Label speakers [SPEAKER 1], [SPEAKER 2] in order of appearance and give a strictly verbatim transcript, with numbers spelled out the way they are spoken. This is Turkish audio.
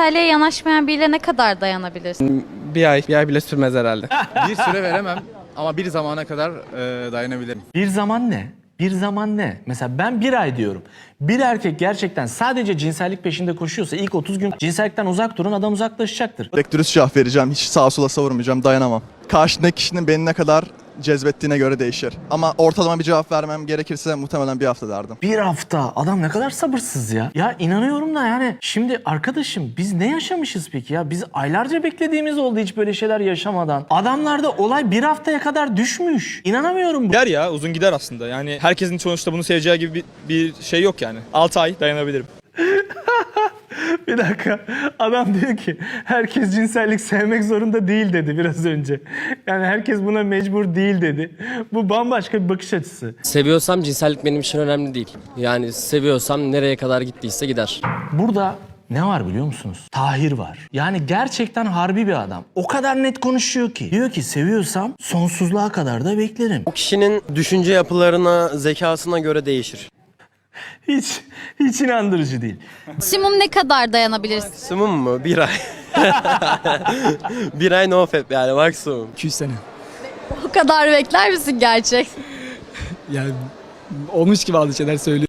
[SPEAKER 1] cinselliğe yanaşmayan biriyle ne kadar dayanabilirsin?
[SPEAKER 2] Bir ay, bir ay bile sürmez herhalde.
[SPEAKER 3] Bir süre veremem ama bir zamana kadar e, dayanabilirim.
[SPEAKER 4] Bir zaman ne? Bir zaman ne? Mesela ben bir ay diyorum. Bir erkek gerçekten sadece cinsellik peşinde koşuyorsa ilk otuz gün cinsellikten uzak durun, adam uzaklaşacaktır.
[SPEAKER 5] Direkt dürüst cevap vereceğim. Hiç sağa sola savurmayacağım. Dayanamam. Karşındaki kişinin beni ne kadar cezbettiğine göre değişir. Ama ortalama bir cevap vermem gerekirse muhtemelen bir hafta derdim.
[SPEAKER 4] Bir hafta. Adam ne kadar sabırsız ya. Ya inanıyorum da yani. Şimdi arkadaşım biz ne yaşamışız peki ya? Biz aylarca beklediğimiz oldu hiç böyle şeyler yaşamadan. Adamlarda olay bir haftaya kadar düşmüş. İnanamıyorum bu.
[SPEAKER 6] Gider ya, uzun gider aslında. Yani herkesin sonuçta bunu seveceği gibi bir, bir şey yok yani. altı ay dayanabilirim.
[SPEAKER 4] Bir dakika. Adam diyor ki herkes cinsellik sevmek zorunda değil dedi biraz önce. Yani herkes buna mecbur değil dedi. Bu bambaşka bir bakış açısı.
[SPEAKER 7] Seviyorsam cinsellik benim için önemli değil. Yani seviyorsam nereye kadar gittiyse gider.
[SPEAKER 4] Burada ne var biliyor musunuz? Tahir var. Yani gerçekten harbi bir adam. O kadar net konuşuyor ki. Diyor ki seviyorsam sonsuzluğa kadar da beklerim.
[SPEAKER 7] O kişinin düşünce yapılarına, zekasına göre değişir.
[SPEAKER 4] Hiç, hiç inandırıcı değil.
[SPEAKER 1] Maksimum ne kadar dayanabilirsin?
[SPEAKER 7] Maksimum mu? Bir ay. Bir ay no fap yani maksimum.
[SPEAKER 2] iki yüz sene.
[SPEAKER 1] O kadar bekler misin gerçek?
[SPEAKER 2] Yani olmuş gibi bazı şeyler söylüyor.